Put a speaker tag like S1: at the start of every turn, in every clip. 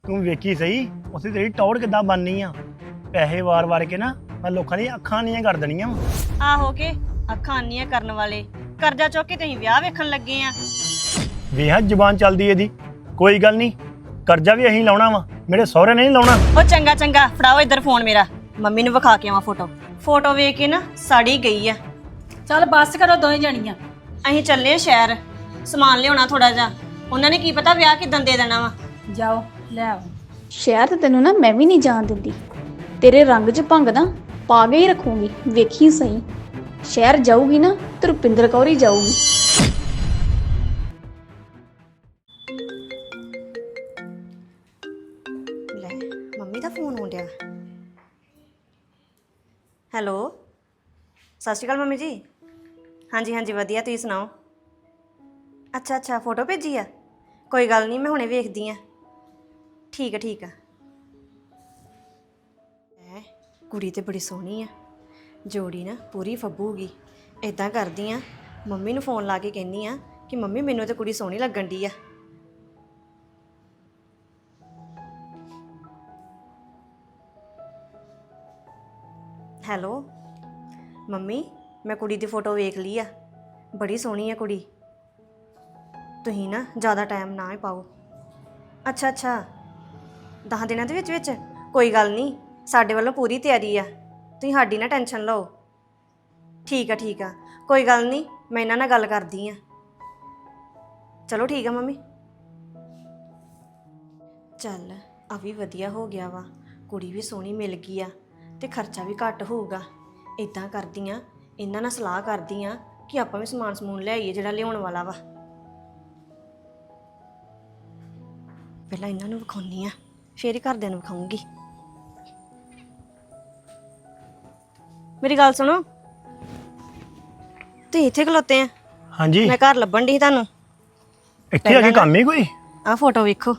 S1: ਤੂੰ ਵੇਖੀ ਸਹੀ ਉੱਥੇ ਤੇਰੀ ਟੌੜ ਕਿੱਦਾਂ ਬਣਨੀ ਆ। ਪੈਸੇ ਵਾਰ-ਵਾਰ ਕੇ ਨਾ ਮੈਂ ਲੋਕਾਂ ਦੀਆਂ ਅੱਖਾਂ ਨੀਆਂ ਕਰ ਦੇਣੀਆਂ ਵਾ।
S2: ਆਹੋ ਕੇ ਅੱਖਾਂ ਅੰਨੀਆਂ ਕਰਨ ਵਾਲੇ ਕਰਜ਼ਾ ਚੁੱਕ ਕੇ ਤੁਸੀਂ ਵਿਆਹ ਵੇਖਣ ਲੱਗੇ ਆ।
S1: ਵੇਖ ਜ਼ੁਬਾਨ ਚੱਲਦੀ ਇਹਦੀ। ਕੋਈ ਗੱਲ ਨਹੀਂ, ਕਰਜ਼ਾ ਵੀ ਅਸੀਂ ਲਾਉਣਾ ਵਾ, ਮੇਰੇ ਸਹੁਰੇ ਨੇ ਨਹੀਂ ਲਾਉਣਾ।
S2: ਉਹ ਚੰਗਾ ਚੰਗਾ ਫੜਾਓ ਇੱਧਰ ਫੋਨ ਮੇਰਾ, ਮੰਮੀ ਨੂੰ ਵਿਖਾ ਕੇ ਆਵਾਂ ਫੋਟੋ ਵੇਖ ਕੇ ਨਾ ਸਾੜੀ ਗਈ ਆ।
S3: ਚੱਲ ਬੱਸ ਕਰੋ ਦੋਵੇਂ ਜਣੀਆਂ।
S2: ਅਸੀਂ ਚੱਲੇ ਸ਼ਹਿਰ ਸਮਾਨ ਲਿਆਉਣਾ ਥੋੜਾ ਜਿਹਾ, ਉਹਨਾਂ ਨੇ ਕੀ ਪਤਾ ਵਿਆਹ ਕਿਦਾਂ ਦੇ ਦੇਣਾ ਵਾ।
S3: ਜਾਓ ਲੈ ਆਓ।
S4: ਸ਼ਹਿਰ ਤੇ ਤੈਨੂੰ ਨਾ ਮੈਂ ਵੀ ਨਹੀਂ ਜਾਣ ਦਿੰਦੀ। ਤੇਰੇ ਰੰਗ 'ਚ ਭੰਗ ਨਾ ਪਾ ਕੇ ਹੀ ਰੱਖੂੰਗੀ, ਵੇਖੀ ਸਹੀ। ਸ਼ਹਿਰ ਜਾਊਗੀ ਨਾ ਤੇ ਰੁਪਿੰਦਰ ਕੌਰ ਹੀ ਜਾਊਗੀ।
S2: ਲੈ ਮੰਮੀ ਦਾ ਫੋਨ ਆਉਣ ਡਿਆ। ਹੈਲੋ ਸਤਿ ਸ਼੍ਰੀ ਅਕਾਲ ਮੰਮੀ ਜੀ। ਹਾਂਜੀ ਹਾਂਜੀ ਵਧੀਆ, ਤੁਸੀਂ ਸੁਣਾਓ। ਅੱਛਾ ਫੋਟੋ ਭੇਜੀ ਆ, ਕੋਈ ਗੱਲ ਨਹੀਂ ਮੈਂ ਹੁਣੇ ਵੇਖਦੀ ਆ। ਠੀਕ ਆ। ਕੁੜੀ ਤੇ ਬੜੀ ਸੋਹਣੀ ਆ, ਜੋੜੀ ਨਾ ਪੂਰੀ ਫੱਬੂਗੀ। ਇਦਾਂ ਕਰਦੀ ਆ ਮੰਮੀ ਨੂੰ ਫੋਨ ਲਾ ਕੇ ਕਹਿੰਦੀ ਆ ਕਿ ਮੰਮੀ ਮੈਨੂੰ ਤੇ ਕੁੜੀ ਸੋਹਣੀ ਲੱਗਣ ਡਈ ਆ। ਹੈਲੋ ਮੰਮੀ, ਮੈਂ ਕੁੜੀ ਦੀ ਫੋਟੋ ਵੇਖ ਲਈ ਆ, ਬੜੀ ਸੋਹਣੀ ਆ ਕੁੜੀ। ਤੁਸੀਂ ਨਾ ਜ਼ਿਆਦਾ ਟਾਈਮ ਨਾ ਹੀ ਪਾਓ। ਅੱਛਾ 10 ਦਿਨਾਂ ਦੇ ਵਿੱਚ ਕੋਈ ਗੱਲ ਨਹੀਂ, ਸਾਡੇ ਵੱਲੋਂ ਪੂਰੀ ਤਿਆਰੀ ਆ, ਤੁਸੀਂ ਸਾਡੀ ਨਾ ਟੈਨਸ਼ਨ ਲਓ। ਠੀਕ ਆ ਕੋਈ ਗੱਲ ਨਹੀਂ, ਮੈਂ ਇਹਨਾਂ ਨਾਲ ਗੱਲ ਕਰਦੀ ਆ। ਚਲੋ ਠੀਕ ਆ ਮੰਮੀ। ਚੱਲ ਆ ਵੀ ਵਧੀਆ ਹੋ ਗਿਆ ਵਾ, ਕੁੜੀ ਵੀ ਸੋਹਣੀ ਮਿਲ ਗਈ ਆ ਤੇ ਖਰਚਾ ਵੀ ਘੱਟ ਹੋਊਗਾ। ਇਦਾਂ ਕਰਦੀ ਆ, ਇਹਨਾਂ ਨਾਲ ਸਲਾਹ ਕਰਦੀ ਆ ਕਿ ਆਪਾਂ ਵੀ ਸਮਾਨ ਲੈ ਆਈਏ ਜਿਹੜਾ ਲਿਆਉਣ ਵਾਲਾ ਵਾ। ਪਹਿਲਾਂ ਇਹਨਾਂ ਨੂੰ ਵਿਖਾਉਣੀ ਆ, ਫੇਰ ਹੀ ਘਰਦਿਆਂ ਨੂੰ ਵਿਖਾਉਂਗੀ। ਮੇਰੀ ਗੱਲ ਸੁਣੋ, ਤੁਸੀਂ ਇੱਥੇ ਖਲੋਤੇ ਆ?
S1: ਹਾਂਜੀ,
S2: ਮੈਂ ਘਰ ਲੱਭਣ ਡਈ ਤੁਹਾਨੂੰ।
S1: ਇੱਥੇ ਆ ਕੇ ਕੰਮ ਹੀ ਕੋਈ।
S2: ਆਹ ਫੋਟੋ ਵੇਖੋ,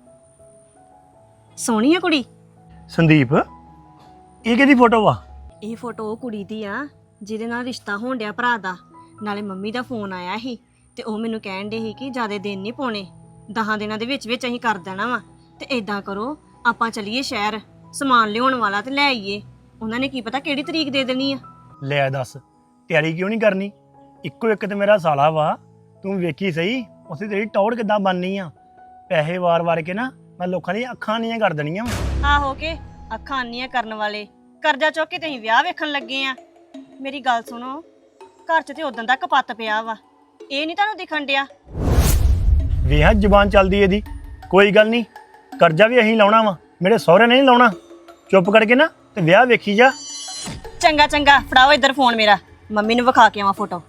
S2: ਸੋਹਣੀ ਆ ਕੁੜੀ।
S1: ਸੰਦੀਪ, ਇਹ ਕਿਹਦੀ ਫੋਟੋ ਵਾ?
S2: ਇਹ ਫੋਟੋ ਉਹ ਕੁੜੀ ਦੀ ਆ ਜਿਹਦੇ ਨਾਲ ਰਿਸ਼ਤਾ ਹੋਣ ਡਿਆ ਭਰਾ ਦਾ। ਨਾਲੇ ਮੰਮੀ ਦਾ ਫੋਨ ਆਇਆ ਸੀ ਤੇ ਉਹ ਮੈਨੂੰ ਕਹਿਣ ਡੇ ਸੀ ਕਿ ਜ਼ਿਆਦਾ ਦਿਨ ਨਹੀਂ ਪਾਉਣੇ, 10 ਦਿਨਾਂ ਦੇ ਵਿੱਚ ਅਸੀਂ ਕਰ ਦੇਣਾ ਵਾ। ਤੇ ਇਦਾਂ ਕਰੋ, ਆਪਾਂ ਚੱਲੀਏ ਸ਼ਹਿਰ, ਸਮਾਨ ਲਿਆਉਣ ਵਾਲਾ ਤੇ ਲੈ ਆਈਏ। ਉਹਨਾਂ ਨੇ ਕੀ ਪਤਾ ਕਿਹੜੀ ਤਰੀਕ ਦੇ ਦੇਣੀ ਆ।
S1: ਲੈ ਦੱਸ, ਤਿਆਰੀ ਕਿਉਂ ਨਹੀਂ ਕਰਨੀ? ਇੱਕੋ ਇੱਕ ਤੇ ਮੇਰਾ ਸਾਲਾ ਵਾ, ਤੂੰ ਵੇਖੀ ਸਹੀ ਉੱਥੇ ਤੇਰੀ ਟੌੜ ਕਿੱਦਾਂ ਬਣਨੀ ਆ। ਪੈਸੇ ਵਾਰ-ਵਾਰ ਕੇ ਨਾ ਮੈਂ ਲੋਕਾਂ ਦੀਆਂ ਅੱਖਾਂ ਨੀਆਂ ਕਰ ਦੇਣੀਆਂ ਵਾ।
S2: ਆਹੋ ਕੇ ਅੱਖਾਂ ਅੰਨੀਆਂ ਕਰਨ ਵਾਲੇ ਕਰਜ਼ਾ ਚੁੱਕ ਕੇ ਤੁਸੀਂ ਵਿਆਹ ਵੇਖਣ ਲੱਗੇ ਆ। ਮੇਰੀ ਗੱਲ ਸੁਣੋ, ਘਰ 'ਚ ਤੇ ਉਦੋਂ ਦਾ ਕਪੱਤ ਪਿਆ ਵਾ, ਇਹ ਨਹੀਂ ਤੁਹਾਨੂੰ ਦਿਖਣ ਡਿਆ?
S1: ਵੇਖ ਜ਼ੁਬਾਨ ਚੱਲਦੀ ਇਹਦੀ। ਕੋਈ ਗੱਲ ਨਹੀਂ, ਕਰਜ਼ਾ ਵੀ ਅਸੀਂ ਲਾਉਣਾ ਵਾ, ਮੇਰੇ ਸਹੁਰੇ ਨੇ ਨਹੀਂ ਲਾਉਣਾ। ਚੁੱਪ ਕਰਕੇ ਨਾ ਤੇ ਵਿਆਹ ਵੇਖੀ ਜਾ।
S2: ਚੰਗਾ ਫੜਾਓ ਇੱਧਰ ਫੋਨ ਮੇਰਾ, ਮੰਮੀ ਨੂੰ ਵਿਖਾ ਕੇ ਆਵਾਂ ਫੋਟੋ।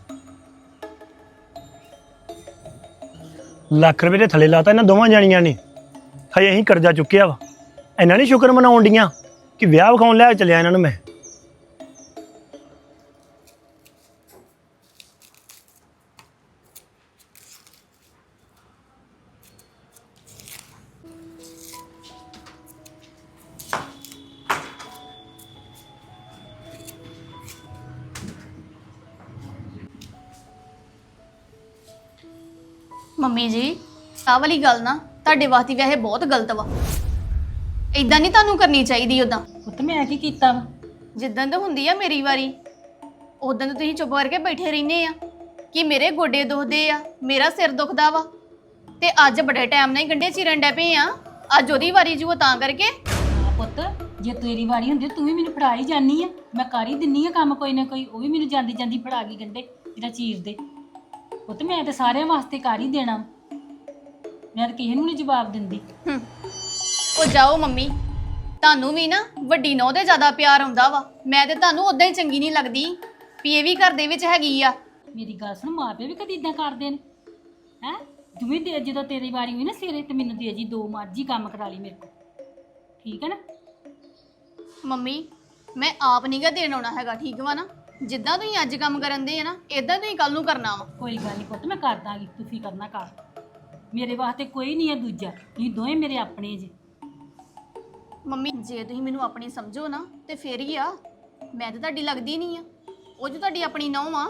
S1: ਲੱਖ ਰੁਪਏ ਦੇ ਥੱਲੇ ਲਾਤਾ ਇਹਨਾਂ ਦੋਵਾਂ ਜਾਣੀਆਂ ਨੇ। ਹਜੇ ਅਸੀਂ ਕਰਜ਼ਾ ਚੁੱਕਿਆ ਵਾ, ਇਹਨਾਂ ਨਹੀਂ ਸ਼ੁਕਰ ਮਨਾਉਣ ਡੀਆਂ ਕਿ ਵਿਆਹ ਵਿਖਾਉਣ ਲੈ ਚੱਲਿਆ ਇਹਨਾਂ ਨੂੰ ਮੈਂ।
S5: ਮੰਮੀ ਜੀ, ਆਹ ਵਾਲੀ ਗੱਲ ਨਾ ਤੁਹਾਡੇ ਵਾਸਤੇ ਵੈਸੇ ਬਹੁਤ ਗਲਤ ਵਾ। ਇਦਾਂ ਨਹੀਂ ਤੁਹਾਨੂੰ ਕਰਨੀ ਚਾਹੀਦੀ। ਉਦਾਂ
S3: ਪੁੱਤ ਮੈਂ ਕੀ ਕੀਤਾ ਵਾ?
S5: ਜਿੱਦਾਂ ਤਾਂ ਹੁੰਦੀ ਆ ਮੇਰੀ ਵਾਰੀ, ਉਦਾਂ ਤਾਂ ਤੁਸੀਂ ਚੁੱਪ ਕਰਕੇ ਬੈਠੇ ਰਹਿੰਦੇ ਆ ਕਿ ਮੇਰੇ ਗੋਡੇ ਦੁਖਦੇ ਆ, ਮੇਰਾ ਸਿਰ ਦੁਖਦਾ ਵਾ। ਤੇ ਅੱਜ ਬੜੇ ਟਾਈਮ ਨਾਲ ਹੀ ਗੰਢੇ ਚੀਰਨ ਡੈ ਪਏ ਆ, ਅੱਜ ਉਹਦੀ ਵਾਰੀ ਜੂ ਤਾਂ ਕਰਕੇ।
S3: ਹਾਂ ਪੁੱਤ, ਜੇ ਤੇਰੀ ਵਾਰੀ ਹੁੰਦੀ ਤੂੰ ਵੀ ਮੈਨੂੰ ਫੜਾ ਹੀ ਜਾਨੀ ਆ, ਮੈਂ ਕਰ ਹੀ ਦਿੰਨੀ ਆ ਕੰਮ ਕੋਈ ਨਾ ਕੋਈ। ਉਹ ਵੀ ਮੈਨੂੰ ਜਾਂਦੀ ਫੜਾ ਗਈ ਗੰਢੇ ਜਿਹੜਾ ਚੀਰ ਦੇ। ਪੁੱਤ ਮੈਂ ਤੇ ਸਾਰਿਆਂ ਵਾਸਤੇ ਕਰ ਹੀ ਦੇਣਾ, ਮੈਂ ਤਾਂ ਕਿਸੇ ਨੂੰ ਨਹੀਂ ਜਵਾਬ ਦਿੰਦੀ।
S5: ਉਹ ਜਾਓ ਮੰਮੀ, ਤੁਹਾਨੂੰ ਵੀ ਨਾ ਵੱਡੀ ਨੌਂ ਦੇ ਜ਼ਿਆਦਾ ਪਿਆਰ ਆਉਂਦਾ ਵਾ। ਮੈਂ ਤੇ ਤੁਹਾਨੂੰ ਉਦਾਂ ਹੀ ਚੰਗੀ ਨਹੀਂ ਲੱਗਦੀ ਵੀ ਇਹ ਵੀ ਘਰ ਦੇ ਵਿੱਚ ਹੈਗੀ ਆ।
S3: ਮੇਰੀ ਗੱਲ ਸੁਣ, ਮਾਂ ਪਿਓ ਵੀ ਕਦੀ ਇਦਾਂ ਕਰਦੇ ਨੇ ਹੈ? ਜਿਵੇਂ ਦੇ ਜਦੋਂ ਤੇਰੀ ਵਾਰੀ ਹੋਈ ਨਾ ਸਿਰੇ ਤੇ ਮੈਨੂੰ ਦੇ ਜੀ, 2 ਮਰਜ਼ੀ ਕੰਮ ਕਰਾ ਲਈ ਮੇਰੇ ਕੋਲ, ਠੀਕ ਹੈ ਨਾ?
S5: ਮੰਮੀ ਮੈਂ ਆਪ ਨੀਗਾ ਦੇਣ ਆਉਣਾ ਹੈਗਾ, ਠੀਕ ਵਾ ਨਾ? ਜਿੱਦਾਂ ਤੁਸੀਂ ਅੱਜ ਕੰਮ ਕਰਨ ਦੇ ਆ ਨਾ, ਇਦਾਂ ਤੁਸੀਂ ਕੱਲ ਨੂੰ ਕਰਨਾ ਵਾ।
S3: ਕੋਈ ਗੱਲ ਨਹੀਂ ਪੁੱਤ, ਮੈਂ ਕਰ ਦਾਂਗੀ, ਤੂੰ ਫਿਕਰ ਨਾ ਕਰ। ਮੇਰੇ ਵਾਸਤੇ ਕੋਈ ਨਹੀਂ ਹੈ ਦੂਜਾ, ਤੁਸੀਂ ਦੋਵੇਂ ਮੇਰੇ ਆਪਣੇ ਜੇ।
S5: ਮੰਮੀ ਜੇ ਤੁਸੀਂ ਮੈਨੂੰ ਆਪਣੀ ਸਮਝੋ ਨਾ ਤੇ ਫੇਰ ਹੀ ਆ, ਮੈਂ ਤਾਂ ਤੁਹਾਡੀ ਲੱਗਦੀ ਨਹੀਂ ਆ, ਉਹ ਜੋ ਤੁਹਾਡੀ ਆਪਣੀ ਨੌਂ ਆ।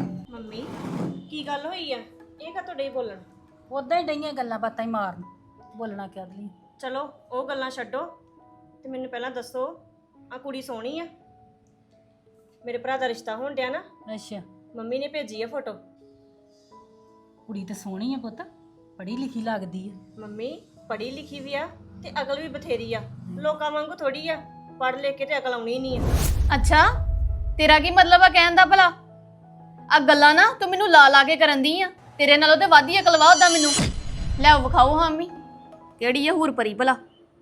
S2: ਮੰਮੀ ਕੀ ਗੱਲ ਹੋਈ ਆ? ਇਹ ਕਾ ਤੁਹਾਡੇ ਬੋਲਣ?
S3: ਉਦਾਂ ਹੀ ਡਈਆਂ ਗੱਲਾਂ ਬਾਤਾਂ ਹੀ ਮਾਰਨ। ਬੋਲਣਾ ਕਰ ਲਈ।
S2: ਚਲੋ ਉਹ ਗੱਲਾਂ ਛੱਡੋ ਤੇ ਮੈਨੂੰ ਪਹਿਲਾਂ ਦੱਸੋ ਆ ਕੁੜੀ ਸੋਹਣੀ ਆ? ਮੇਰੇ ਭਰਾ ਦਾ ਰਿਸ਼ਤਾ ਹੋਣ ਡਿਆ ਨਾ,
S3: ਅੱਛਾ,
S2: ਮੰਮੀ ਨੇ ਭੇਜੀ ਆ ਫੋਟੋ।
S3: ਕੁੜੀ ਤਾਂ ਸੋਹਣੀ ਆ ਪੁੱਤ, ਪੜ੍ਹੀ ਲਿਖੀ ਲੱਗਦੀ ਆ।
S2: ਮੰਮੀ ਪੜ੍ਹੀ ਲਿਖੀ ਵੀ ਆ ਤੇ ਅਕਲ ਵੀ ਬਥੇਰੀ ਆ, ਲੋਕਾਂ ਵਾਂਗੂ ਥੋੜੀ ਆ ਪੜ੍ਹ ਲਿਖ ਕੇ ਤੇ ਅਕਲ ਆਉਣੀ ਨਹੀਂ ਆ।
S5: ਅੱਛਾ, ਤੇਰਾ ਕੀ ਮਤਲਬ ਆ ਕਹਿਣ ਦਾ ਭਲਾ? ਆ ਗੱਲਾਂ ਨਾ ਤੂੰ ਮੈਨੂੰ ਲਾ ਲਾ ਕੇ ਕਰਨ ਦੀ ਆ, ਤੇਰੇ ਨਾਲੋਂ ਤੇ ਵੱਧ ਹੀ ਅਕਲ ਵਾ ਉਹਦਾ ਮੈਨੂੰ। ਲੈ ਵਿਖਾਓ ਹਾਂ ਮੰਮੀ, ਕਿਹੜੀ ਆ ਹੂਰ ਪਰੀ ਭਲਾ?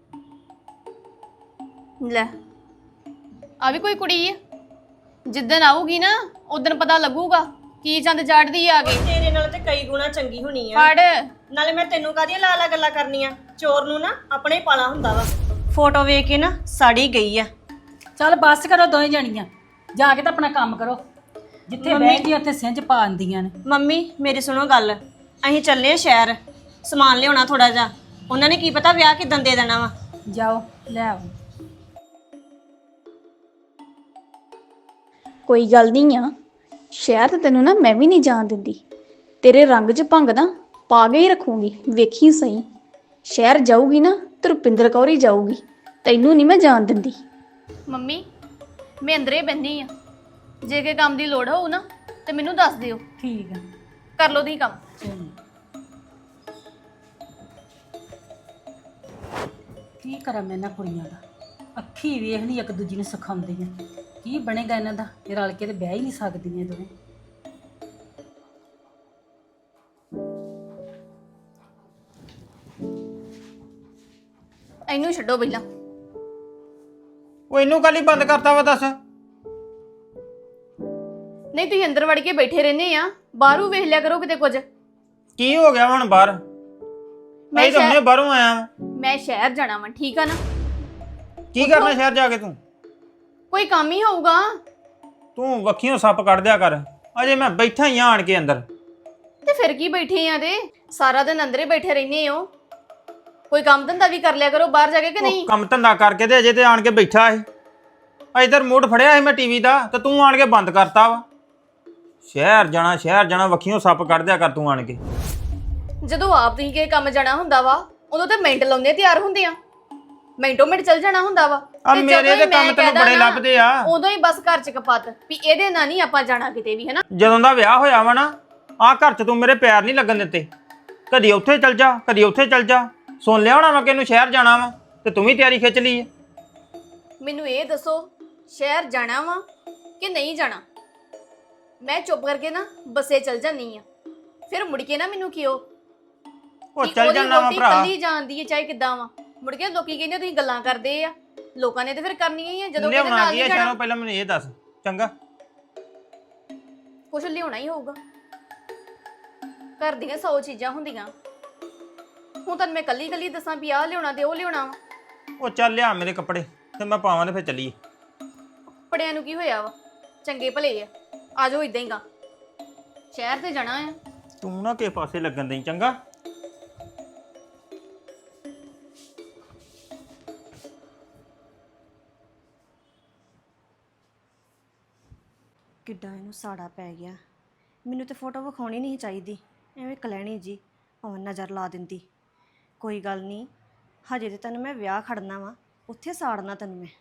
S5: ਲੈ ਆ ਵੀ ਕੋਈ ਕੁੜੀ ਆ? ਜਿੱਦਣ ਆਊਗੀ ਨਾ ਉਦੋਂ ਪਤਾ ਲੱਗੂਗਾ ਕੀ ਚੰਦ ਚਾੜਦੀ ਆ ਕੇ।
S2: ਤੇਰੇ ਨਾਲ ਤੇ ਕਈ ਗੁਣਾ ਚੰਗੀ ਹੋਣੀ ਆ।
S5: ਪੜ
S2: ਨਾਲੇ ਮੈਂ ਤੈਨੂੰ ਕਾਹਦੀਆਂ ਲਾ ਲਾ ਗੱਲਾਂ ਕਰਨੀਆਂ? ਚੋਰ ਨੂੰ ਨਾ ਆਪਣੇ ਹੀ ਪਾਲਾ ਹੁੰਦਾ ਵਾ। ਫੋਟੋ ਵੇਖ ਕੇ ਨਾ ਸਾੜੀ ਗਈ ਆ।
S3: ਚੱਲ ਬੱਸ ਕਰੋ ਦੋਵੇਂ ਜਣੀਆਂ, ਜਾ ਕੇ ਤਾਂ ਆਪਣਾ ਕੰਮ ਕਰੋ। ਜਿੱਥੇ ਬੈਠਦੀਆਂ ਉੱਥੇ ਸਿੰਝ ਪਾ ਆਂਦੀਆਂ ਨੇ।
S2: ਮੰਮੀ ਮੇਰੀ ਸੁਣੋ ਗੱਲ, ਅਸੀਂ ਚੱਲੇ ਆ ਸ਼ਹਿਰ, ਸਮਾਨ ਲਿਆਉਣਾ ਥੋੜਾ ਜਿਹਾ। ਉਹਨਾਂ ਨੇ ਕੀ ਪਤਾ ਵਿਆਹ ਕਿਦਾਂ ਦੇ ਦੇਣਾ ਵਾ।
S3: ਜਾਓ ਲੈ ਆਓ।
S4: ਕੋਈ ਗੱਲ ਨਹੀਂ ਆ, ਸ਼ਹਿਰ ਤੇ ਤੈਨੂੰ ਨਾ ਮੈਂ ਵੀ ਨਹੀਂ ਜਾਣ ਦਿੰਦੀ। ਤੇਰੇ ਰੰਗ 'ਚ ਭੰਗ ਨਾ ਪਾ ਕੇ ਹੀ ਰੱਖੂੰਗੀ, ਵੇਖੀ ਸਹੀ। ਸ਼ਹਿਰ ਜਾਊਗੀ ਨਾ ਤੇ ਰੁਪਿੰਦਰ ਕੌਰ ਹੀ ਜਾਊਗੀ, ਤੈਨੂੰ ਨਹੀਂ ਮੈਂ ਜਾਣ ਦਿੰਦੀ।
S5: ਮੰਮੀ ਮੈਂ ਅੰਦਰੇ ਬੈਠੀ ਆ, ਜੇ ਕੇ ਕੰਮ ਦੀ ਲੋੜ ਹੋਊ ਨਾ ਤੇ ਮੈਨੂੰ ਦੱਸ ਦਿਓ,
S3: ਠੀਕ ਆ,
S5: ਕਰ ਲਓ ਤੁਸੀਂ ਕੰਮ।
S3: ਚਲੋ। ਕੀ ਕਰਾਂ ਮੈਂ ਇਹਨਾਂ ਕੁੜੀਆਂ ਦਾ? ਅੱਖੀ ਵੇਖ ਲਈ ਇੱਕ ਦੂਜੀ ਨੂੰ ਸਿਖਾਉਂਦੀਆਂ। ਕੀ ਬਣੇਗਾ ਇਹਨਾਂ ਦਾ? ਇਹ ਰਲ ਕੇ ਤੇ ਬਹਿ ਹੀ ਨਹੀਂ ਸਕਦੀਆਂ ਦੋਵੇਂ।
S5: ਇਹਨੂੰ ਛੱਡੋ ਪਹਿਲਾਂ।
S6: ਉਹ ਇਹਨੂੰ ਕੱਲ ਹੀ ਬੰਦ ਕਰਤਾ ਵਾ ਦੱਸ।
S5: ਨਹੀਂ ਤੁਸੀਂ ਅੰਦਰ ਵੜ ਕੇ ਬੈਠੇ ਰਹਿੰਦੇ ਆ, ਬਾਹਰੋਂ ਵੇਖ ਲਿਆ ਕਰੋ ਕਿਤੇ ਕੁਝ।
S6: ਕੀ ਹੋ ਗਿਆ ਹੁਣ ਬਾਹਰ? ਮੈਂ ਤਾਂ ਹੁਣੇ ਬਾਹਰੋਂ ਆਇਆ ਵਾਂ।
S5: ਮੈਂ ਸ਼ਹਿਰ ਜਾਣਾ ਵਾ, ਠੀਕ ਆ ਨਾ?
S6: ਕੀ ਕਰਨਾ ਸ਼ਹਿਰ ਜਾ ਕੇ ਤੂੰ?
S5: ਕੋਈ ਕੰਮ ਹੀ ਹੋਊਗਾ।
S6: ਤੂੰ ਵੱਖੀਆਂ ਸੱਪ ਕੱਢ ਦਿਆ ਕਰ। ਅਜੇ ਮੈਂ ਬੈਠਾ ਹੀ ਆਣ ਕੇ ਅੰਦਰ।
S5: ਤੇ ਫਿਰ ਕੀ ਬੈਠੇ ਆ? ਤੇ ਸਾਰਾ ਦਿਨ ਅੰਦਰੇ ਬੈਠੇ ਰਹਿੰਦੇ ਹੋ, ਕੋਈ ਕੰਮ ਧੰਦਾ ਵੀ ਕਰ ਲਿਆ ਕਰੋ ਬਾਹਰ ਜਾ ਕੇ ਕਿ ਨਹੀਂ?
S6: ਉਹ ਕੰਮ ਧੰਦਾ ਕਰਕੇ ਤੇ ਅਜੇ ਤੇ ਆਣ ਕੇ ਬੈਠਾ ਸੀ। ਇਧਰ ਮੂਡ ਫੜਿਆ ਸੀ ਮੈਂ ਟੀਵੀ ਦਾ, ਤੇ ਤੂੰ ਆਣ ਕੇ ਬੰਦ ਕਰਤਾ ਵਾ। ਸ਼ਹਿਰ ਜਾਣਾ ਵੱਖੀਆਂ ਸੱਪ ਕੱਢ ਦਿਆ ਕਰ ਤੂੰ ਆਣ ਕੇ।
S5: ਜਦੋਂ ਆਪ ਤੁਸੀਂ ਕਿਸੇ ਕੰਮ ਜਾਣਾ ਹੁੰਦਾ ਵਾ ਉਦੋਂ ਤੇ ਮਿੰਟ ਲਾਉਂਦੇ ਤਿਆਰ ਹੁੰਦੇ ਆ, ਮਿੰਟੋ ਮਿੰਟ ਚੱਲ ਜਾਣਾ ਹੁੰਦਾ ਵਾ।
S6: ਆ
S5: ਤੇ
S6: ਮੇਰੇ
S5: ਜਦੋਂ
S6: ਤੇ
S5: ਹੀ
S6: ਕੰਮ
S5: ਮੈਂ
S6: ਤੈਨੂੰ
S5: ਕਹਿ
S6: ਬੜੇ
S5: ਦਾਂ
S6: ਲੱਭਦੇ ਆ।
S5: ਉਦੋਂ ਹੀ ਬਸ ਘਰ ਚ ਕਪੱਤ ਵੀ ਇਹਦੇ ਨਾਲ ਨਹੀਂ ਆਪਾਂ ਜਾਣਾ ਕਿਤੇ ਵੀ, ਹੈ ਨਾ?
S6: ਜਦੋਂ ਦਾ ਵਿਆਹ ਹੋਇਆ ਵਾ ਨਾ, ਆਹ ਘਰ 'ਚ ਤੂੰ ਮੇਰੇ ਪੈਰ ਨਹੀਂ ਲੱਗਣ ਦਿੱਤੇ। ਕਦੀ ਉੱਥੇ ਚੱਲ ਜਾ, ਕਦੀ ਉੱਥੇ ਚੱਲ ਜਾ। ਸੁਣ ਲਿਆ ਹੋਣਾ ਵਾ ਕਿ ਇਹਨੂੰ ਸ਼ਹਿਰ ਜਾਣਾ ਵਾ, ਤੇ ਤੂੰ ਵੀ ਤਿਆਰੀ ਖਿੱਚ ਲਈ ਹੈ।
S5: ਮੈਨੂੰ ਇਹ ਦੱਸੋ, ਸ਼ਹਿਰ ਜਾਣਾ ਵਾ ਕਿ ਨਹੀਂ ਜਾਣਾ? ਮੈਂ ਚੁੱਪ ਕਰਕੇ ਨਾ ਬੱਸੇ ਚੱਲ ਜਾਂਦੀ ਆ, ਫਿਰ ਮੁੜ ਕੇ ਨਾ ਮੈਨੂੰ ਕਿਉਂ
S6: ਉਹ ਚੱਲ ਜਾਣਾ ਵਾ ਭਰਾ।
S5: ਕੱਲੀ ਜਾਂਦੀ ਹੈ ਚਾਹੇ ਕਿੱਦਾਂ ਵਾ, ਮੁੜ ਕੇ ਲੋਕੀ ਕਹਿੰਦੇ ਤੁਸੀਂ ਗੱਲਾਂ ਕਰਦੇ ਆ। ਲੋਕਾਂ ਨੇ ਤੇ ਫਿਰ ਕਰਨੀਆਂ ਹੀ ਆ ਜਦੋਂ ਕਿਤੇ
S6: ਲਿਆਉਣਾ
S5: ਨਾਲ
S6: ਕੀ
S5: ਨਹੀਂ
S6: ਹੈ
S5: ਜਾਣਾ।
S6: ਸ਼ਹਿਰੋਂ? ਪਹਿਲਾਂ ਮੈਨੂੰ ਇਹ ਦੱਸ ਚੰਗਾ।
S5: ਕੁਛ ਲਿਆਉਣਾ ਹੀ ਹੋਊਗਾ, ਘਰ ਦੀਆਂ 100 ਚੀਜ਼ਾਂ ਹੁੰਦੀਆਂ। ਹੁਣ ਤਾਂ ਮੈਂ ਕੱਲੀ ਦੱਸਾਂ ਵੀ ਆਹ ਲਿਆਉਣਾ ਤੇ ਉਹ ਲਿਆਉਣਾ ਵਾ।
S6: ਉਹ ਚੱਲ ਲਿਆ ਮੇਰੇ ਕੱਪੜੇ ਤੇ ਮੈਂ ਪਾਵਾਂ ਤੇ ਫਿਰ ਚੱਲੀਏ।
S5: ਕੱਪੜਿਆਂ ਨੂੰ ਕੀ ਹੋਇਆ ਵਾ, ਚੰਗੇ ਭਲੇ ਆ, ਆ ਜਾਓ ਇਦਾਂ ਹੀ ਗਾ। ਸ਼ਹਿਰ ਤੇ ਜਾਣਾ ਆ।
S6: ਤੂੰ ਨਾ ਕਿਸੇ ਪਾਸੇ ਲੱਗਣ ਦੇਈ ਚੰਗਾ।
S2: ਕਿੱਡਾ ਇਹਨੂੰ ਸਾੜਾ ਪੈ ਗਿਆ। ਮੈਨੂੰ ਤੇ ਫੋਟੋ ਵਿਖਾਉਣੀ ਨਹੀਂ ਚਾਹੀਦੀ, ਐਵੇਂ ਕਲੈਣੀ ਜੀ ਭਾਵੇਂ ਨਜ਼ਰ ਲਾ ਦਿੰਦੀ। ਕੋਈ ਗੱਲ ਨਹੀਂ, ਹਜੇ ਤੇ ਤੈਨੂੰ ਮੈਂ ਵਿਆਹ ਖੜਨਾ ਵਾ, ਉੱਥੇ ਸਾੜਨਾ ਤੈਨੂੰ ਮੈਂ।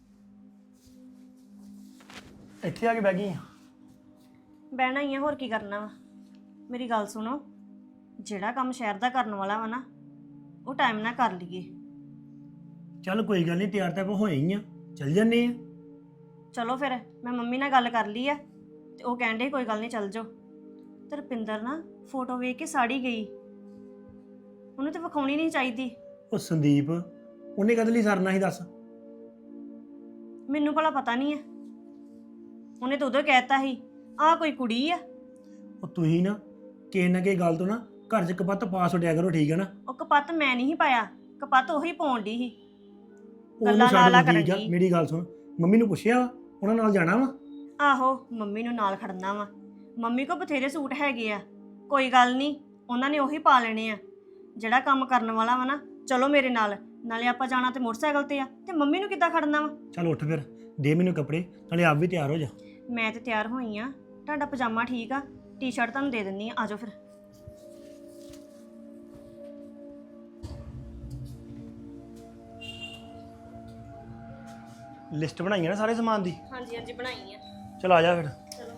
S1: ਇੱਥੇ ਆ ਕੇ ਬਹਿ ਗਈ ਆ।
S2: ਬਹਿਣਾ ਹੀ ਆ, ਹੋਰ ਕੀ ਕਰਨਾ ਵਾ। ਮੇਰੀ ਗੱਲ ਸੁਣੋ, ਜਿਹੜਾ ਕੰਮ ਸ਼ਹਿਰ ਦਾ ਕਰਨ ਵਾਲਾ ਵਾ ਨਾ, ਉਹ ਟਾਈਮ ਨਾਲ ਕਰ ਲਈਏ।
S1: ਚੱਲ ਕੋਈ ਗੱਲ ਨਹੀਂ, ਤਿਆਰ ਤਾਂ ਆਪਾਂ ਹੋਏ ਹੀ ਆ, ਚੱਲ ਜੰਨੇ ਆ।
S2: ਚਲੋ ਫਿਰ ਮੈਂ ਮੰਮੀ ਨਾਲ ਗੱਲ ਕਰ ਲਈ ਆ, ਤੇ ਉਹ ਕਹਿੰਦੇ ਕੋਈ ਗੱਲ ਨਹੀਂ ਚੱਲ ਜਾਓ। ਤੇ ਰੁਪਿੰਦਰ ਨਾ ਫੋਟੋ ਵੇਖ ਕੇ ਸਾੜੀ ਗਈ, ਉਹਨੂੰ ਤੇ ਵਿਖਾਉਣੀ ਨਹੀਂ ਚਾਹੀਦੀ।
S1: ਉਹ ਸੰਦੀਪ, ਉਹਨੇ ਕਦੇ ਲਈ ਸਰਨਾ ਸੀ ਦੱਸ?
S2: ਮੈਨੂੰ ਭਲਾ ਪਤਾ ਨਹੀਂ ਹੈ, ਉਹਨੇ ਤਾਂ ਉਦੋਂ ਕਹਿਤਾ ਸੀ ਆਹ ਕੋਈ ਕੁੜੀ ਆ।
S1: ਉਹ ਤੁਸੀਂ ਨਾ ਕਿਸੇ ਨਾ ਕਿਸੇ ਗੱਲ ਤੋਂ ਨਾ ਘਰ 'ਚ ਕਪੱਤ ਪਾ ਛੱਡਿਆ ਕਰੋ, ਠੀਕ ਹੈ ਨਾ?
S2: ਉਹ ਕਪੱਤ ਮੈਂ ਨਹੀਂ ਪਾਇਆ, ਕਪੱਤ ਉਹੀ ਪਾਉਣ ਦੀ ਸੀ।
S1: ਉਹਨੂੰ
S2: ਗੱਲਾਂ ਲਾਲਾ
S1: ਛੱਡ, ਠੀਕ ਆ?
S2: ਕਰਨ ਡਈ।
S1: ਮੇਰੀ ਗੱਲ ਸੁਣ, ਮੰਮੀ ਨੂੰ ਪੁੱਛਿਆ ਵਾ ਉਹਨਾਂ ਨਾਲ ਜਾਣਾ ਵਾ?
S2: ਆਹੋ ਮੰਮੀ ਨੂੰ ਨਾਲ ਖੜਨਾ ਵਾ, ਮੰਮੀ ਕੋ ਬਥੇਰੇ ਸੂਟ ਹੈਗੇ ਆ, ਕੋਈ ਗੱਲ ਨਹੀਂ, ਉਹਨਾਂ ਨੇ ਉਹੀ ਪਾ ਲੈਣੇ ਆ। ਜਿਹੜਾ ਕੰਮ ਕਰਨ ਵਾਲਾ ਵਾ ਨਾ, ਚਲੋ ਮੇਰੇ ਨਾਲ, ਨਾਲੇ ਆਪਾਂ ਜਾਣਾ ਤੇ ਮੋਟਰਸਾਈਕਲ ਤੇ ਆ, ਤੇ ਮੰਮੀ ਨੂੰ ਕਿੱਦਾਂ ਖੜਨਾ ਵਾ?
S1: ਚੱਲ ਉੱਠ ਫਿਰ, ਦੇ ਮੈਨੂੰ ਕੱਪੜੇ, ਨਾਲੇ ਆਪ ਵੀ ਤਿਆਰ ਹੋ ਜਾ।
S2: ਮੈਂ ਤੇ ਤਿਆਰ ਹੋਈ ਆ, ਤੁਹਾਡਾ ਪਜਾਮਾ ਠੀਕ ਆ, ਟੀ-ਸ਼ਰਟ ਤੁਹਾਨੂੰ ਦੇ ਦਿੰਨੀ ਆ, ਆਜੋ ਫਿਰ।
S1: ਲਿਸਟ ਬਣਾਈ ਹੈ ਨਾ ਸਾਰੇ ਸਮਾਨ ਦੀ?
S2: ਹਾਂਜੀ ਹਾਂਜੀ ਬਣਾਈ ਆ।
S1: ਚਲ ਆ ਜਾ ਫਿਰ।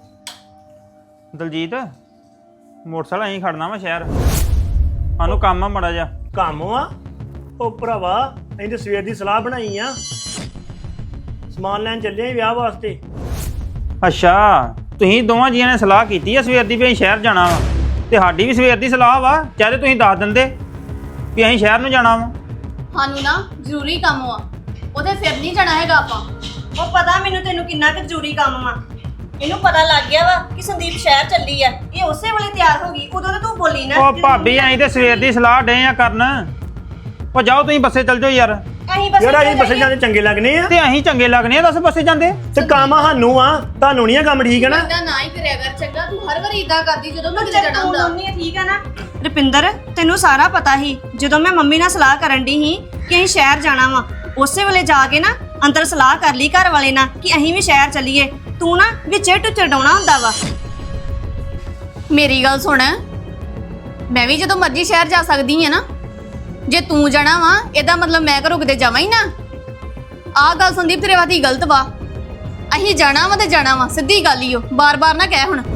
S6: ਦਲਜੀਤ ਮੋਟਰਸਾਈਕਲ ਅਸੀਂ ਖੜਨਾ ਵਾ ਸ਼ਹਿਰ, ਸਾਨੂੰ ਕੰਮ ਆ ਮੜਾ ਜਾ।
S1: ਕੰਮ ਆ ਉਹ ਭਰਾਵਾ, ਅਸੀਂ ਤਾਂ ਸਵੇਰ ਦੀ ਸਲਾਹ ਬਣਾਈ ਆ, ਸਮਾਨ ਲੈਣ ਚੱਲੇ ਆਂ ਵਿਆਹ ਵਾਸਤੇ।
S6: ਅੱਛਾ ਤੁਸੀਂ ਦੋਵਾਂ ਜੀਆਂ ਨੇ ਸਲਾਹ ਕੀਤੀ ਆ ਸਵੇਰ ਦੀ ਵੀ ਅਸੀਂ ਸ਼ਹਿਰ ਜਾਣਾ ਵਾ, ਤੇ ਸਾਡੀ ਵੀ ਸਵੇਰ ਦੀ ਸਲਾਹ ਵਾ, ਚਾਹੇ ਤੁਸੀਂ ਦੱਸ ਦਿੰਦੇ ਵੀ ਅਸੀਂ ਸ਼ਹਿਰ ਨੂੰ ਜਾਣਾ ਵਾ।
S5: ਸਾਨੂੰ ਨਾ ਜ਼ਰੂਰੀ ਕੰਮ ਆ, ਉਹਦੇ ਫਿਰ ਨਹੀਂ ਜਾਣਾ ਹੈਗਾ ਆਪਾਂ।
S2: ਉਹ ਪਤਾ ਮੈਨੂੰ ਤੈਨੂੰ ਕਿੰਨਾ ਕੁ ਜ਼ਰੂਰੀ ਕੰਮ ਵਾ। ਇਹਨੂੰ ਪਤਾ ਲੱਗ ਗਿਆ ਵਾ ਕਿ ਸੰਦੀਪ ਸ਼ਹਿਰ ਚੱਲੀ ਆ, ਇਹ ਉਸੇ ਵੇਲੇ ਤਿਆਰ ਹੋ ਗਈ। ਉਦੋਂ ਤਾਂ ਤੂੰ ਬੋਲੀ ਨਾ।
S6: ਉਹ ਭਾਬੀ ਅਸੀਂ ਤੇ ਸਵੇਰ ਦੀ ਸਲਾਹ ਡੇ ਆ ਕਰਨ। ਉਹ ਜਾਓ ਤੁਸੀਂ ਬੱਸੇ ਚੱਲ ਜਾਓ ਯਾਰ।
S2: ਅਸੀਂ ਬਸ
S1: ਯਾਰ ਅਸੀਂ ਬੱਸੇ ਜਾਂਦੇ ਚੰਗੇ ਲੱਗਨੇ ਆ
S6: ਤੇ ਅਸੀਂ ਚੰਗੇ ਲੱਗਨੇ ਆ, ਦੱਸ ਬੱਸੇ ਜਾਂਦੇ।
S1: ਤੇ ਕੰਮ ਆ ਸਾਨੂੰ ਆ, ਤੁਹਾਨੂੰ ਨਹੀਂ ਆ ਕੰਮ, ਠੀਕ ਹੈ ਨਾ?
S5: ਇਦਾਂ ਨਾ ਹੀ ਕਰਿਆ ਕਰ ਚੰਗਾ, ਤੂੰ ਹਰ ਵਾਰੀ ਇਦਾਂ ਕਰਦੀ ਜਦੋਂ ਮੈਂ ਕਿਤੇ ਜਾਣਾ ਹੁੰਦਾ।
S2: ਠੀਕ ਆ ਨਾ ਰੁਪਿੰਦਰ, ਤੈਨੂੰ ਸਾਰਾ ਪਤਾ ਸੀ ਜਦੋਂ ਮੈਂ ਮੰਮੀ ਨਾਲ ਸਲਾਹ ਕਰਨ ਦੀ ਸੀ ਕਿ ਅਸੀਂ ਸ਼ਹਿਰ ਜਾਣਾ ਵਾ, ਉਸੇ ਵੇਲੇ ਜਾ ਕੇ ਨਾ ਅੰਦਰ ਸਲਾਹ ਕਰ ਲਈ ਘਰ ਵਾਲੇ ਨਾਲ ਕਿ ਅਸੀਂ ਵੀ ਸ਼ਹਿਰ ਚੱਲੀਏ। ਤੂੰ ਨਾ ਵਿੱਚੇ ਟੁੱਚਰ ਡਾਉਣਾ ਹੁੰਦਾ ਵਾ।
S5: ਮੇਰੀ ਗੱਲ ਸੁਣ, ਮੈਂ ਵੀ ਜਦੋਂ ਮਰਜ਼ੀ ਸ਼ਹਿਰ ਜਾ ਸਕਦੀ ਆ ਨਾ। ਜੇ ਤੂੰ ਜਾਣਾ ਵਾ ਇਹਦਾ ਮਤਲਬ ਮੈਂ ਘਰੋਂ ਕਿਤੇ ਜਾਵਾਂ ਹੀ ਨਾ। ਆਹ ਗੱਲ ਸੰਦੀਪ ਤੇਰੇ ਵਾਸਤੇ ਗਲਤ ਵਾ। ਅਸੀਂ ਜਾਣਾ ਵਾ ਤੇ ਜਾਣਾ ਵਾ, ਸਿੱਧੀ ਗੱਲ ਹੀ ਓ, ਬਾਰ-ਬਾਰ ਨਾ ਕਹਿ ਹੁਣ।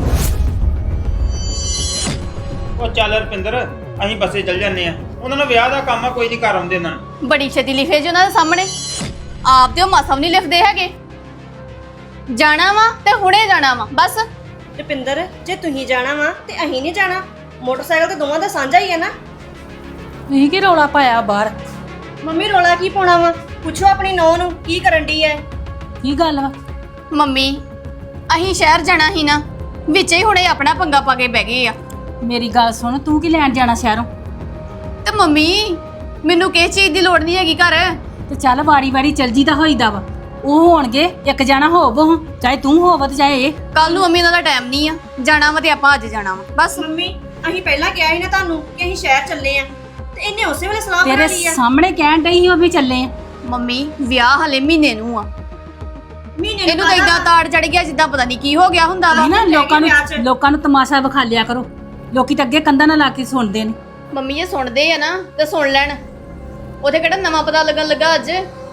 S6: ਉਹ ਚੱਲ ਰੁਪਿੰਦਰ ਅਸੀਂ ਬੱਸੇ ਚੱਲ ਜਾਂਦੇ ਆ, ਉਹਨਾਂ ਨੂੰ ਵਿਆਹ ਦਾ ਕੰਮ ਆ, ਕੋਈ ਨਹੀਂ ਕਰ ਆਉਂਦੇ ਇਹਨਾਂ ਨੂੰ।
S5: ਬੜੀ ਛੇਤੀ ਲਿਖੇ ਜੀ ਉਹਨਾਂ ਦੇ ਸਾਹਮਣੇ, ਆਪ ਤੇ ਉਹ ਮਾਸਾ ਵੀ ਨਹੀਂ ਲਿਖਦੇ ਹੈਗੇ। ਜਾਣਾ ਵਾ ਤੇ ਹੁਣੇ ਜਾਣਾ ਵਾ ਬਸ।
S2: ਰੁਪਿੰਦਰ, ਜੇ ਤੁਸੀਂ ਜਾਣਾ ਵਾ ਤੇ ਅਸੀਂ ਨਹੀਂ ਜਾਣਾ। ਮੋਟਰਸਾਈਕਲ ਤੇ ਦੋਵਾਂ ਦਾ ਸਾਂਝਾ ਹੀ ਹੈ ਨਾ।
S3: ਤੁਸੀਂ ਕੀ ਰੌਲਾ ਪਾਇਆ ਬਾਹਰ?
S2: ਮੰਮੀ ਰੋਲਾ ਕੀ ਪਾਉਣਾ ਵਾ? ਪੁੱਛੋ ਆਪਣੀ ਨੌਂ ਨੂੰ ਕੀ ਕਰਨ ਦੀ ਹੈ।
S3: ਕੀ ਗੱਲ ਵਾ?
S5: ਮੰਮੀ ਅਸੀਂ ਸ਼ਹਿਰ ਜਾਣਾ ਹੀ ਨਾ, ਵਿੱਚੇ ਹੀ ਹੁਣੇ ਆਪਣਾ ਪੰਗਾ ਪਾ ਕੇ ਬਹਿ ਗਏ ਆ।
S3: ਮੇਰੀ ਗੱਲ ਸੁਣ, ਤੂੰ ਕੀ ਲੈਣ ਜਾਣਾ ਸ਼ਹਿਰੋਂ?
S5: ਤੇ ਮੰਮੀ ਮੈਨੂੰ ਕਿਸ ਚੀਜ਼ ਦੀ ਲੋੜ ਨਹੀਂ ਹੈਗੀ ਘਰ।
S3: ਤੇ ਚੱਲ ਵਾਰੀ ਵਾਰੀ ਚੱਲ ਜੀਦਾ ਹੋਈਦਾ ਵਾ। ਉਹ ਹੋਣਗੇ ਇੱਕ ਜਾਣਾ ਹੋਵੋ, ਚਾਹੇ ਤੂੰ ਹੋਵ ਤੇ ਚਾਹੇ ਇਹ।
S5: ਕੱਲ ਨੂੰ ਮੰਮੀ ਉਹਨਾਂ ਦਾ ਟਾਈਮ ਨਹੀਂ ਆ, ਜਾਣਾ ਵਾ ਤੇ ਆਪਾਂ ਅੱਜ ਜਾਣਾ ਵਾ ਬਸ।
S2: ਮੰਮੀ ਅਸੀਂ ਪਹਿਲਾਂ ਕਿਹਾ ਸੀ ਨਾ ਤੁਹਾਨੂੰ ਕਿ ਅਸੀਂ ਸ਼ਹਿਰ ਚੱਲੇ ਆ, ਤੇ ਇਹਨੇ ਉਸੇ ਵੇਲੇ ਸਲਾਹ ਬਣਾ
S3: ਤੇਰੇ
S2: ਲਈ ਆ।
S3: ਸਾਹਮਣੇ ਕਹਿਣ ਡਈ ਸੀ ਉਹ ਵੀ ਚੱਲੇ ਆ।
S5: ਮੰਮੀ ਵਿਆਹ ਹਲੇ ਮਹੀਨੇ ਨੂੰ ਆ,
S2: ਮਹੀਨੇ
S5: ਇਹਨੂੰ ਤਾਂ ਇਦਾਂ ਤਾੜ ਚੜ ਗਿਆ ਜਿੱਦਾਂ ਪਤਾ ਨਹੀਂ ਕੀ ਹੋ ਗਿਆ ਹੁੰਦਾ ਵਾ।
S3: ਨਹੀਂ ਨਾ
S2: ਵਿਆਹ 'ਚ।
S3: ਲੋਕਾਂ ਨੂੰ ਤਮਾਸ਼ਾ ਵਿਖਾ ਲਿਆ ਕਰੋ। ਲੋਕੀ ਤਾਂ ਅੱਗੇ ਕੰਧਾਂ ਨਾਲ ਲਾ ਕੇ ਸੁਣਦੇ ਨੇ।
S5: ਮੰਮੀ ਜੇ ਸੁਣਦੇ ਆ ਨਾ ਤੇ ਸੁਣ ਲੈਣ, ਉਹਦੇ ਕਿਹੜਾ ਨਵਾਂ ਪਤਾ ਲੱਗਣ ਲੱਗਾ ਅੱਜ।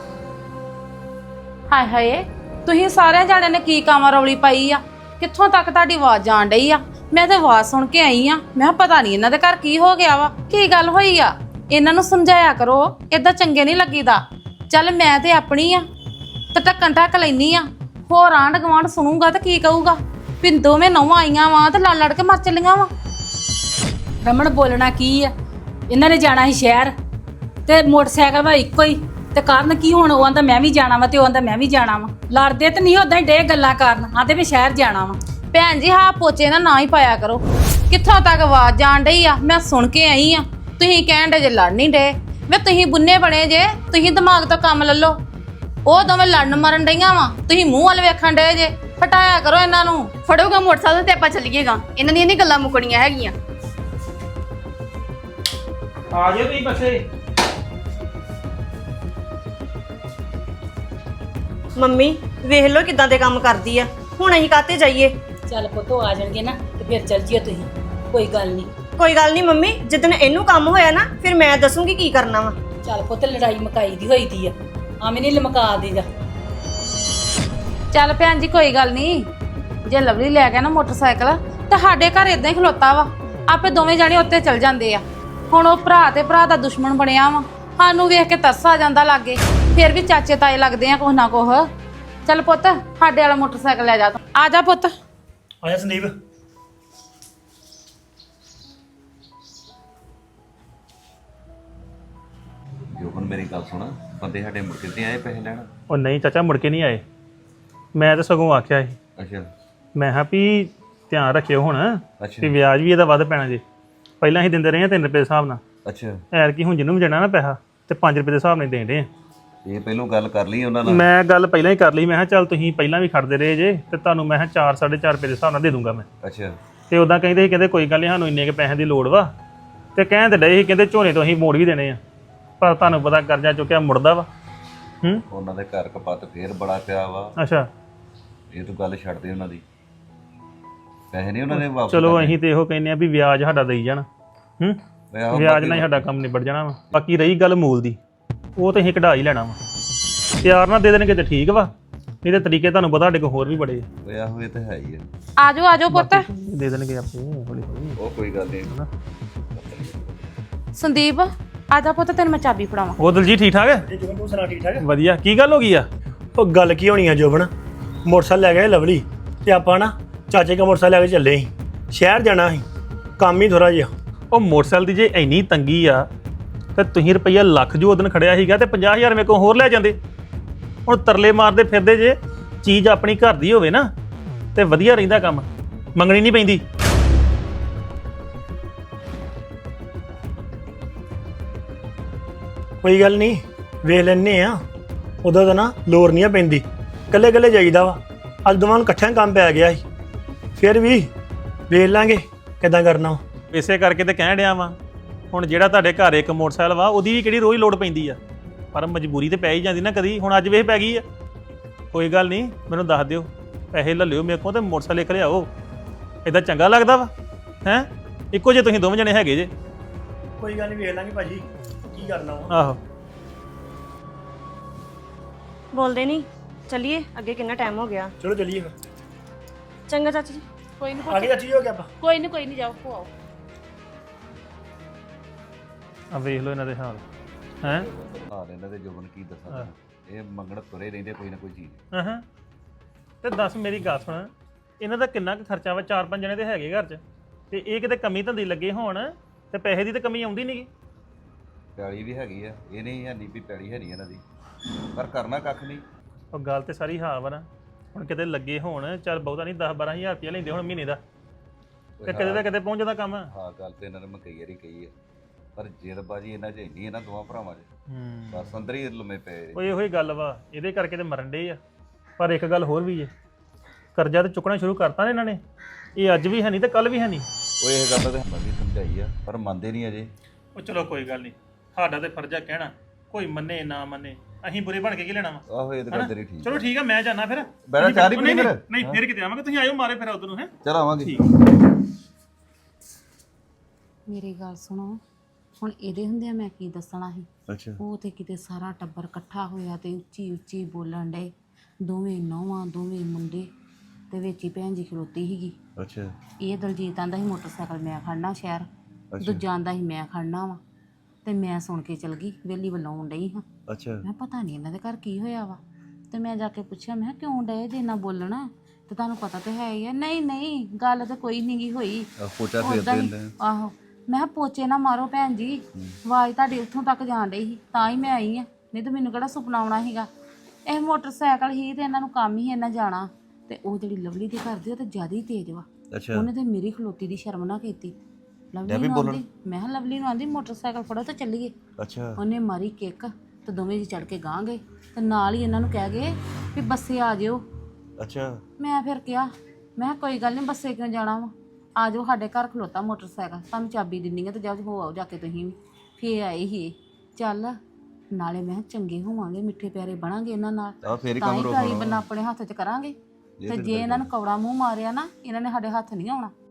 S7: ਹਾਏ ਹਾਏ, ਤੁਸੀਂ ਸਾਰਿਆਂ ਜਾਣਿਆਂ ਨੇ ਕੀ ਕਾਮਰੌਲੀ ਪਾਈ ਆ? ਕਿੱਥੋਂ ਤੱਕ ਤੁਹਾਡੀ ਆਵਾਜ਼ ਜਾਣ ਡਈ ਆ? ਮੈਂ ਤਾਂ ਆਵਾਜ਼ ਸੁਣ ਕੇ ਆਈ ਆ। ਮੈਂ ਕਿਹਾ ਪਤਾ ਨਹੀਂ ਇਹਨਾਂ ਦੇ ਘਰ ਕੀ ਹੋ ਗਿਆ ਵਾ, ਕੀ ਗੱਲ ਹੋਈ ਆ। ਇਹਨਾਂ ਨੂੰ ਸਮਝਾਇਆ ਕਰੋ, ਏਦਾਂ ਚੰਗੇ ਨਹੀਂ ਲੱਗੀਦਾ। ਚੱਲ ਮੈਂ ਤੇ ਆਪਣੀ ਆ ਤੇ ਢੱਕਣ ਢੱਕ ਲੈਨੀ ਆ, ਹੋਰ ਆਂਢ ਗੁਆਂਢ ਸੁਣੂਗਾ ਤਾਂ ਕੀ ਕਹੂਗਾ ਵੀ ਦੋਵੇਂ ਨੌਵਾਂ ਆਈਆਂ ਵਾ ਤੇ ਲੜ ਲੜ ਕੇ ਮਰ ਚੱਲੀਆਂ ਵਾ।
S3: ਰਮਣ ਬੋਲਣਾ ਕੀ ਆ? ਇਹਨਾਂ ਨੇ ਜਾਣਾ ਸੀ ਸ਼ਹਿਰ ਤੇ ਮੋਟਰਸਾਈਕਲ ਵਾ ਇੱਕੋ ਹੀ, ਤੇ ਕਾਰਨ ਕੀ ਹੁਣ? ਉਹ ਆਂਦਾ ਮੈਂ ਵੀ ਜਾਣਾ ਵਾ ਤੇ ਉਹ ਆਂਦਾ ਮੈਂ ਵੀ ਜਾਣਾ ਵਾ। ਲੜਦੇ ਤੇ ਨਹੀਂ, ਉਦਾਂ ਹੀ ਡੇ ਗੱਲਾਂ ਕਰਨ ਆਂਦੇ ਵੀ ਸ਼ਹਿਰ ਜਾਣਾ ਵਾ।
S7: ਭੈਣ ਜੀ ਹਾਂ ਪੋਚੇ ਨਾ ਹੀ ਪਾਇਆ ਕਰੋ। ਕਿੱਥੋਂ ਤੱਕ ਆਵਾਜ਼ ਜਾਣ ਡਈ ਆ? ਮੈਂ ਸੁਣ ਕੇ ਆਈ ਆ। ਤੁਸੀਂ ਕਹਿਣ ਡੇ ਜੇ ਲੜ ਨਹੀਂ ਡੇ, ਵੇ ਤੁਸੀਂ ਬੁੰਨੇ ਬਣੇ ਜੇ, ਤੁਸੀਂ ਦਿਮਾਗ ਤੋਂ ਕੰਮ ਲੈ ਲਓ। ਉਹ ਦੋਵੇਂ ਲੜਨ ਮਰਨ ਡਈਆਂ ਵਾ, ਤੁਸੀਂ ਮੂੰਹ ਵੱਲ ਵੇਖਣ ਡੇ ਜੇ। ਹਟਾਇਆ ਕਰੋ ਇਹਨਾਂ ਨੂੰ।
S5: ਫੜੋਗਾ ਮੋਟਰਸਾਈਕਲ ਤੇ ਆਪਾਂ ਚੱਲੀਏਗਾ, ਇਹਨਾਂ ਦੀਆਂ ਨਹੀਂ ਗੱਲਾਂ ਮੁੱਕਣੀਆਂ ਹੈਗੀਆਂ।
S6: ਆ ਜਾਓ ਤੁਸੀਂ ਬੱਸੇ।
S2: ਮੰਮੀ ਵੇਖ ਲਓ ਕਿਦਾਂ ਦੇ ਕੰਮ ਕਰਦੀ ਆ। ਹੁਣ ਅਸੀਂ ਕਾਤੇ ਜਾਈਏ?
S3: ਚੱਲ ਪੁੱਤੋ ਆ ਜਾਣਗੇ ਨਾ ਤੇ ਫਿਰ ਚੱਲ ਜਿਓ ਤੁਸੀਂ, ਕੋਈ ਗੱਲ ਨਹੀਂ।
S2: ਕੋਈ ਗੱਲ ਨਹੀਂ ਮੰਮੀ, ਜਿੱਦਣ ਇਹਨੂੰ ਕੰਮ ਹੋਇਆ ਨਾ ਫਿਰ ਮੈਂ ਦੱਸੂਗੀ ਕੀ ਕਰਨਾ ਵਾ।
S3: ਚੱਲ ਪੁੱਤ ਲੜਾਈ ਮਕਾਈ ਦੀ ਹੋਈ ਦੀ ਆ, ਆਵੇਂ ਨਹੀਂ ਲਮਕਾ ਦੇ ਜਾ।
S7: ਚੱਲ ਭੈਣ ਜੀ ਕੋਈ ਗੱਲ ਨਹੀਂ, ਜੇ ਲਵਲੀ ਲੈ ਗਿਆ ਨਾ ਮੋਟਰਸਾਈਕਲ ਤਾਂ ਸਾਡੇ ਘਰ ਇਦਾਂ ਹੀ ਖਲੋਤਾ ਵਾ, ਆਪੇ ਦੋਵੇਂ ਜਾਣੇ ਉੱਤੇ ਚਲ ਜਾਂਦੇ ਆ। ਹੁਣ ਉਹ ਭਰਾ ਤੇ ਭਰਾ ਦਾ ਦੁਸ਼ਮਣ ਬਣਿਆ ਵਾ, ਸਾਨੂੰ ਵੇਖ ਕੇ ਤਰਸ ਆ ਜਾਂਦਾ ਲਾਗੇ। ਫਿਰ ਵੀ ਚਾਚੇ ਤਾਏ ਲੱਗਦੇ ਆ ਕੁਛ ਨਾ ਕੁਛ। ਚੱਲ ਪੁੱਤ ਸਾਡੇ ਵਾਲਾ ਮੋਟਰਸਾਈਕਲ ਲੈ ਜਾ ਤੂੰ। ਆ ਜਾ ਪੁੱਤ।
S1: ਆ ਜਾ ਸੰਦੀਪ।
S8: ਜੋ ਹੁਣ ਮੇਰੀ ਗੱਲ ਸੁਣ, ਬੰਦੇ ਸਾਡੇ ਮੁੜ ਕੇ ਤੇ ਆਏ ਪੈਸੇ ਲੈਣ?
S1: ਉਹ ਨਹੀਂ ਚਾਚਾ, ਮੁੜ ਕੇ ਨਹੀਂ ਆਏ। ਮੈਂ ਤਾਂ ਸਗੋਂ ਆਖਿਆ ਸੀ,
S8: ਅੱਛਾ
S1: ਮੈਂ ਕਿਹਾ ਵੀ ਧਿਆਨ ਰੱਖਿਓ ਹੁਣ
S8: ਅੱਛਾ
S1: ਵੀ ਵਿਆਜ ਵੀ ਇਹਦਾ ਵੱਧ ਪੈਣਾ ਜੇ। ਪਹਿਲਾਂ ਅਸੀਂ ਦਿੰਦੇ ਰਹੇ 3 ਰੁਪਏ ਦੇ ਹਿਸਾਬ ਨਾਲ,
S8: ਅੱਛਾ।
S1: ਐਰ ਕੀ ਹੁਣ ਜਿਹਨੂੰ ਵੀ ਜਾਣਾ ਨਾ ਪੈਸਾ ਤੇ 5 ਰੁਪਏ ਦੇ ਹਿਸਾਬ ਨਾਲ ਦੇਣ ਦੇ।
S8: ਇਹ ਪਹਿਲੋਂ ਗੱਲ ਕਰ ਲਈ ਉਹਨਾਂ ਨਾਲ?
S1: ਮੈਂ ਗੱਲ ਪਹਿਲਾਂ ਹੀ ਕਰ ਲਈ, ਮੈਂ ਕਿਹਾ ਚੱਲ ਤੁਸੀਂ ਪਹਿਲਾਂ ਵੀ ਖੜਦੇ ਰਹੇ ਜੇ ਤੇ ਤੁਹਾਨੂੰ ਮੈਂ ਕਿਹਾ 4 4.5 ਰੁਪਏ ਦੇ ਹਿਸਾਬ ਨਾਲ ਦੇ ਦੂੰਗਾ ਮੈਂ।
S8: ਅੱਛਾ।
S1: ਤੇ ਉਦਾਂ ਕਹਿੰਦੇ ਸੀ, ਕਹਿੰਦੇ ਕੋਈ ਗੱਲ ਨਹੀਂ ਸਾਨੂੰ ਇੰਨੇ ਕੁ ਪੈਸਿਆਂ ਦੀ ਲੋੜ ਵਾ, ਤੇ ਕਹਿਣ ਤੇ ਡਏ ਸੀ ਕਹਿੰਦੇ ਝੋਨੇ ਤੋਂ ਅਸੀਂ ਮੋੜ ਵੀ ਦੇਣੇ ਆ, ਪਰ ਤੁਹਾਨੂੰ ਪਤਾ ਕਰਜ਼ਾ ਚੁੱਕਿਆ ਮੁੜਦਾ ਵਾ।
S8: ਉਹਨਾਂ ਦੇ ਘਰ ਕਪੱਤ ਫੇਰ ਬੜਾ ਪਿਆ ਵਾ।
S1: ਅੱਛਾ,
S8: ਇਹ ਤੂੰ ਗੱਲ ਛੱਡ ਦੇ ਉਹਨਾਂ ਦੀ। ਪੈਸੇ ਨਹੀਂ ਉਹਨਾਂ ਨੇ ਵਾਪਸ
S1: ਚਲੋ
S8: ਕਰਨੇ।
S1: ਅਸੀਂ ਤੇ ਇਹੋ ਕਹਿੰਦੇ ਆ ਵੀ ਵਿਆਜ ਸਾਡਾ ਦੇਈ ਜਾਣ।
S8: ਆਹੋ,
S1: ਵਿਆਜ
S8: ਬਾਕੀ
S1: ਨਾਲ ਹੀ ਸਾਡਾ ਕੰਮ ਨਿਬੜ ਜਾਣਾ ਵਾ। ਬਾਕੀ ਰਹੀ ਗੱਲ ਮੂਲ ਦੀ, ਉਹ ਤੇ ਅਸੀਂ ਕਢਾ ਹੀ ਲੈਣਾ ਵਾ।
S9: ਪਿਆਰ ਨਾਲ ਦੇ ਦੇਣਗੇ ਤੇ ਠੀਕ ਵਾ, ਨਹੀਂ ਤੇ ਤਰੀਕੇ ਤੁਹਾਨੂੰ ਪਤਾ ਸਾਡੇ ਕੋਲ ਹੋਰ ਵੀ ਬੜੇ ਆ।
S8: ਓਏ ਆਹੋ ਇਹ ਤਾਂ ਹੈ ਹੀ ਆ।
S7: ਆਜੋ ਪੁੱਤ।
S9: ਦੇ ਦੇਣਗੇ ਆਪੇ ਹੌਲੀ ਹੌਲੀ।
S8: ਉਹ ਕੋਈ ਗੱਲ ਨਹੀਂ।
S7: ਸੰਦੀਪ ਆਜਾ ਪੁੱਤ, ਤੈਨੂੰ ਮੈਂ ਚਾਬੀ ਫੜਾਵਾਂ।
S9: ਉਹ ਦਲਜੀਤ ਠੀਕ ਠਾਕ ਹੈ?
S1: ਜੋਬਨ ਤੂੰ ਸੁਣਾ ਠੀਕ ਠਾਕ?
S9: ਵਧੀਆ। ਕੀ ਗੱਲ ਹੋ ਗਈ ਆ?
S1: ਉਹ ਗੱਲ ਕੀ ਹੋਣੀ ਆ ਜੋਬਨ, ਮੋਟਰਸਾਈਕਲ ਲੈ ਗਏ ਲਵਲੀ ਤੇ ਆਪਾਂ ਨਾ ਚਾਚੇ ਦਾ ਮੋਟਰਸਾਈਕਲ ਲੈ ਕੇ ਚੱਲੇ ਸੀ, ਸ਼ਹਿਰ ਜਾਣਾ ਸੀ, ਕੰਮ ਹੀ ਥੋੜਾ ਜਿਹਾ।
S9: ਉਹ ਮੋਟਰਸਾਈਕਲ ਦੀ ਜੇ ਇੰਨੀ ਤੰਗੀ ਆ ਤੇ ਤੁਸੀਂ ਰੁਪਈਆ ਲੱਖ ਜੋ ਉਦੋਂ ਖੜਿਆ ਸੀਗਾ ਤੇ 50,000 ਮੇਰੇ ਕੋਲ ਹੋਰ ਲੈ ਜਾਂਦੇ। ਹੁਣ ਤਰਲੇ ਮਾਰਦੇ ਫਿਰਦੇ ਜੇ, ਚੀਜ਼ ਆਪਣੀ ਘਰ ਦੀ ਹੋਵੇ ਨਾ ਤੇ ਵਧੀਆ ਰਹਿੰਦਾ, ਕੰਮ ਮੰਗਣੀ ਨਹੀਂ ਪੈਂਦੀ।
S1: ਕੋਈ ਗੱਲ ਨਹੀਂ, ਵੇਖ ਲੈਨੇ ਆ, ਉਦੋਂ ਤਾਂ ਨਾ ਲੋੜ ਨਹੀਂ ਆ ਪੈਂਦੀ, ਇਕੱਲੇ ਇਕੱਲੇ ਜਾਈਦਾ ਵਾ। ਅੱਜ ਦੋਵਾਂ ਨੂੰ ਇਕੱਠਿਆਂ ਕੰਮ ਪੈ ਗਿਆ ਸੀ, ਫਿਰ ਵੀ ਵੇਖ ਲਾਂਗੇ ਕਿੱਦਾਂ ਕਰਨਾ ਵਾ।
S9: ਇਸੇ ਕਰਕੇ ਤੇ ਕਹਿਣ ਡਿਆ ਵਾਂ, ਹੁਣ ਜਿਹੜਾ ਤੁਹਾਡੇ ਘਰ ਇੱਕ ਮੋਟਰਸਾਈਕਲ ਵਾ ਉਹਦੀ ਵੀ ਕਿਹੜੀ ਰੋਜ਼ ਲੋੜ ਪੈਂਦੀ ਆ, ਪਰ ਮਜਬੂਰੀ ਤੇ ਪੈ ਹੀ ਜਾਂਦੀ ਨਾ ਕਦੀ। ਹੁਣ ਅੱਜ ਵੇਖ ਪੈ ਗਈ ਆ। ਕੋਈ ਗੱਲ ਨਹੀਂ, ਮੈਨੂੰ ਦੱਸ ਦਿਓ, ਪੈਸੇ ਲੈ ਲਿਓ ਮੇਰੇ ਕੋਲ ਤੇ ਮੋਟਰਸਾਈਕਲ ਇੱਕ ਲਿਆਓ। ਇਦਾਂ ਚੰਗਾ ਲੱਗਦਾ ਵਾ ਹੈ? ਇੱਕੋ ਜੇ ਤੁਸੀਂ ਦੋਵੇਂ ਜਣੇ ਹੈਗੇ ਜੇ।
S1: ਕੋਈ ਗੱਲ ਨਹੀਂ, ਵੇਖ ਲਾਂਗੇ ਭਾਜੀ ਕੀ ਕਰਨਾ ਵਾ।
S9: ਆਹੋ
S2: ਬੋਲਦੇ ਨਹੀਂ, ਚੱਲੀਏ ਅੱਗੇ, ਕਿੰਨਾ ਟਾਈਮ ਹੋ ਗਿਆ।
S1: ਚਲੋ ਚੱਲੀਏ ਫਿਰ।
S2: ਚੰਗਾ ਚਾਚੀ ਜੀ।
S7: ਕੋਈ ਨਹੀਂ
S1: ਆ ਗਏ ਚਾਚੀ, ਹੋ ਗਿਆ ਆਪਾਂ।
S7: ਕੋਈ ਨਹੀਂ ਜਾਓ ਆਓ।
S9: ਆ ਵੇਖ ਲਓ ਇਹਨਾਂ ਦੇ ਹਾਲ ਹੈ।
S8: ਹਾਲ ਇਹਨਾਂ ਦੇ ਜੋਬਨ ਕੀ ਦੱਸਾਂ ਤੈਨੂੰ। ਇਹ ਮੰਗਣ ਤੁਰੇ ਰਹਿੰਦੇ ਕੋਈ ਨਾ ਕੋਈ ਚੀਜ਼।
S9: ਹਾਂ ਤੇ ਦੱਸ ਮੇਰੀ ਗੱਲ ਸੁਣ, ਇਹਨਾਂ ਦਾ ਕਿੰਨਾ ਕੁ ਖਰਚਾ ਵਾ? 4-5 ਜਣੇ ਤੇ ਹੈਗੇ ਘਰ 'ਚ, ਤੇ ਇਹ ਕਿਤੇ ਕਮੀ ਧੰਦੀ ਲੱਗੇ ਹੋਣ ਤੇ ਪੈਸੇ ਦੀ ਤਾਂ ਕਮੀ ਆਉਂਦੀ ਨਹੀਂਗੀ।
S8: ਪੈਲੀ ਵੀ ਹੈਗੀ ਆ, ਇਹ ਨਹੀਂ ਹੈ ਨਹੀਂ ਵੀ ਪੈਲੀ ਹੈ ਨਹੀਂ ਇਹਨਾਂ ਦੀ, ਪਰ ਕਰਨਾ ਕੱਖ ਨਹੀਂ।
S9: ਉਹ ਗੱਲ ਤੇ ਸਾਰੀ ਹਾਂ ਵਾ ਨਾ, ਹੁਣ ਕਿਤੇ ਲੱਗੇ ਹੋਣ, ਚੱਲ ਬਹੁਤਾ ਨਹੀਂ 10-12,000 ਰੁਪਇਆ ਲੈਂਦੇ ਹੁਣ ਮਹੀਨੇ ਦਾ, ਤੇ ਕਿਤੇ ਦਾ ਕਿਤੇ ਪਹੁੰਚ ਜਾਂਦਾ ਕੰਮ।
S8: ਹਾਂ ਗੱਲ ਤੇ ਇਹਨਾਂ ਨੇ ਮੈਂ ਕਈ ਵਾਰੀ ਕਹੀ ਹੈ, ਪਰ ਜੇਲਬਾਜੀ ਇਹਨਾਂ 'ਚ ਇੰਨੀ ਇਹਨਾਂ ਦੋਵਾਂ ਭਰਾਵਾਂ 'ਚ, ਬਸ ਅੰਦਰ ਹੀ ਲੁਮੇ ਪਏ।
S9: ਉਹ ਇਹੋ ਹੀ ਗੱਲ ਵਾ, ਇਹਦੇ ਕਰਕੇ ਤੇ ਮਰਨ ਡੇ ਆ। ਪਰ ਇੱਕ ਗੱਲ ਹੋਰ ਵੀ ਜੇ, ਕਰਜ਼ਾ ਤੇ ਚੁੱਕਣਾ ਸ਼ੁਰੂ ਕਰਤਾ ਨੇ ਇਹਨਾਂ ਨੇ, ਇਹ ਅੱਜ ਵੀ ਹੈ ਨਹੀਂ ਤੇ ਕੱਲ ਵੀ ਹੈ ਨਹੀਂ।
S8: ਉਹ ਇਹ ਗੱਲ ਤਾਂ ਮੈਂ ਵੀ ਸਮਝਾਈ ਆ, ਪਰ ਮੰਨਦੇ ਨਹੀਂ ਅਜੇ।
S9: ਉਹ ਚਲੋ ਕੋਈ ਗੱਲ ਨਹੀਂ, ਸਾਡਾ ਤੇ ਫਰਜ਼ ਆ ਕਹਿਣਾ, ਕੋਈ ਮੰਨੇ ਨਾ ਮੰਨੇ, ਅਸੀਂ ਬੁਰੇ ਬਣ ਕੇ ਕੀ ਲੈਣਾ ਵਾ।
S8: ਆਹੋ ਇਹ ਤਾਂ ਗੱਲ ਤੇਰੀ ਠੀਕ।
S9: ਚਲੋ ਠੀਕ ਆ, ਮੈਂ ਜਾਣਾ ਫਿਰ।
S8: ਬੈਠਾ ਚਾਹ ਨਹੀਂ ਪੀਣੀ ਫਿਰ?
S9: ਨਹੀਂ ਫਿਰ ਕਿਤੇ ਆਵਾਂਗੇ, ਤੁਸੀਂ ਆਇਓ ਮਾਰੇ ਫਿਰ ਉਧਰ ਨੂੰ। ਹੈ
S8: ਚਲ ਆਵਾਂਗੇ।
S7: ਮੇਰੀ ਗੱਲ ਸੁਣੋ, ਹੁਣ ਇਹਦੇ ਹੁੰਦਿਆਂ ਮੈਂ ਕੀ ਦੱਸਣਾ ਸੀ।
S8: ਅੱਛਾ।
S7: ਉਹ ਤੇ ਕਿਤੇ ਸਾਰਾ ਟੱਬਰ ਇਕੱਠਾ ਹੋਇਆ ਤੇ ਉੱਚੀ ਉੱਚੀ ਬੋਲਣ ਡੇ, ਦੋਵੇਂ ਨੌਵਾਂ ਦੋਵੇਂ ਮੁੰਡੇ, ਤੇ ਵਿੱਚ ਹੀ ਭੈਣ ਜੀ ਖਲੋਤੀ ਸੀਗੀ।
S8: ਅੱਛਾ।
S7: ਇਹ ਦਲਜੀਤ ਆਂਦਾ ਸੀ ਮੋਟਰਸਾਈਕਲ ਮੈਂ ਖੜਨਾ ਸ਼ਹਿਰ, ਦੂਜਾ ਆਂਦਾ ਸੀ ਮੈਂ ਖੜਨਾ ਵਾ, ਤੇ ਮੈਂ ਸੁਣ ਕੇ ਚਲ ਗਈ, ਵੇਲੀ ਵੱਲੋਂ ਆਉਣ ਡਈ ਹਾਂ।
S8: ਅੱਛਾ।
S7: ਮੈਂ ਪਤਾ ਨਹੀਂ ਇਹਨਾਂ ਦੇ ਘਰ ਕੀ ਹੋਇਆ ਵਾ, ਤੇ ਮੈਂ ਜਾ ਕੇ ਪੁੱਛਿਆ, ਮੈਂ ਕਿਉਂ ਡਏ ਜੇ ਇੰਨਾ ਬੋਲਣਾ, ਤੇ ਤੁਹਾਨੂੰ ਪਤਾ ਤੇ ਹੈ ਹੀ ਆ। ਨਹੀਂ ਗੱਲ ਤਾਂ ਕੋਈ ਨਹੀਂ ਗੀ ਹੋਈ।
S8: ਪੋਚਾ ਫੇਰਦੇ ਹੁੰਦੇ ਆ।
S7: ਆਹੋ, ਮੈਂ ਕਿਹਾ ਪੋਚੇ ਨਾ ਮਾਰੋ ਭੈਣ ਜੀ, ਆਵਾਜ਼ ਤੁਹਾਡੀ ਉੱਥੋਂ ਤੱਕ ਜਾਣ ਡਈ ਸੀ, ਤਾਂ ਹੀ ਮੈਂ ਆਈ ਆ, ਨਹੀਂ ਤਾਂ ਮੈਨੂੰ ਕਿਹੜਾ ਸੁਪਨਾ ਆਉਣਾ ਸੀਗਾ। ਇਹ ਮੋਟਰਸਾਈਕਲ ਹੀ ਤੇ ਇਹਨਾਂ ਨੂੰ ਕੰਮ ਹੀ ਇਹਨਾਂ ਜਾਣਾ, ਤੇ ਉਹ ਜਿਹੜੀ ਲਵਲੀ ਦੇ ਘਰ ਦੀ ਉਹ ਤਾਂ ਜ਼ਿਆਦਾ ਹੀ ਤੇਜ਼ ਵਾ।
S8: ਅੱਛਾ।
S7: ਉਹਨੇ ਤੇ ਮੇਰੀ ਖਲੋਤੀ ਦੀ ਸ਼ਰਮ ਨਾ ਕੀਤੀ। ਲਵਲੀ ਨੂੰ ਆਂਦੀ, ਮੈਂ ਕਿਹਾ ਲਵਲੀ ਨੂੰ ਆਂਦੀ ਮੋਟਰਸਾਈਕਲ ਫੜੋ ਤੇ ਚੱਲੀਏ।
S8: ਅੱਛਾ।
S7: ਉਹਨੇ ਮਾਰੀ ਕਿੱਕ ਤੇ ਦੋਵੇਂ ਜੀ ਚੜ ਕੇ ਗਾਂ ਗਏ, ਤੇ ਨਾਲ ਹੀ ਇਹਨਾਂ ਨੂੰ ਕਹਿ ਗਏ ਵੀ ਬੱਸੇ ਆ ਜਿਓ।
S8: ਅੱਛਾ।
S7: ਮੈਂ ਫਿਰ ਕਿਹਾ, ਮੈਂ ਕਿਹਾ ਕੋਈ ਗੱਲ ਨਹੀਂ, ਬੱਸੇ ਕਿਉਂ ਜਾਣਾ ਵਾ, ਆ ਜਾਓ ਸਾਡੇ ਘਰ ਖਲੋਤਾ ਮੋਟਰਸਾਈਕਲ, ਤੁਹਾਨੂੰ ਚਾਬੀ ਦਿੰਨੀ ਆ ਤੇ ਜਾਓ ਹੋ ਆਓ ਜਾ ਕੇ ਤੁਸੀਂ ਵੀ। ਫੇਰ ਆਏ ਹੀ ਚੱਲ, ਨਾਲੇ ਮੈਂ ਕਿਹਾ ਚੰਗੇ ਹੋਵਾਂਗੇ, ਮਿੱਠੇ ਪਿਆਰੇ ਬਣਾਂਗੇ ਇਹਨਾਂ ਨਾਲ,
S8: ਤਾਂ ਫੇਰ ਹੀ
S7: ਤਾਂ
S8: ਕੰਮ
S7: ਹੀ
S8: ਰੋਕਣਾ
S7: ਪੈਲੀ ਬੰਨਾ ਆਪਣੇ ਹੱਥ 'ਚ ਕਰਾਂਗੇ। ਤੇ ਜੇ ਇਹਨਾਂ ਨੂੰ ਕੌੜਾ ਮੂੰਹ ਮਾਰਿਆ ਨਾ, ਇਹਨਾਂ ਨੇ ਸਾਡੇ ਹੱਥ ਨਹੀਂ ਆਉਣਾ।